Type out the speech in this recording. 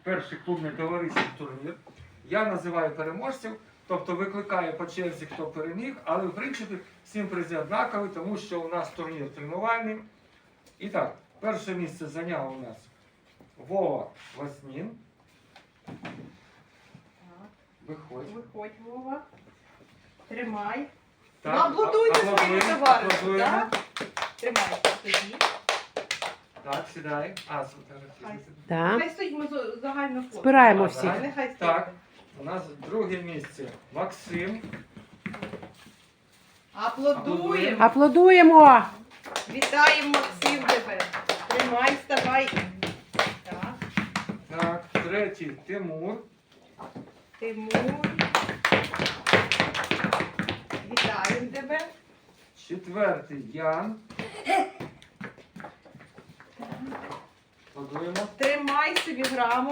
перший клубний товариський турнір. Я називаю переможців, тобто викликаю по черзі, хто переміг, але в принципі всім призи однакові, тому що у нас турнір тренувальний. І так, перше місце зайняв у нас Вова Васнін. Виходь. Виходь, Вова. Тримай. Так, Аплодуйте своєму аплодуємо, товаришу, аплодуємо. так? Тримай тоді. Так, сідай. Сфотографуйся. Так. Нехай стоїть, ми загально фото. Збираємо Так, всіх. так. Нехай стоїть. Так, у нас друге місце Максим. Аплодуємо. Аплодуємо! Вітаємо, Максим, тебе. Тримай, вставай. Так. Так, третій Тимур. Тимур. Вітаємо тебе. Четвертий Ян. Аплодуємо. Тримай собі граму.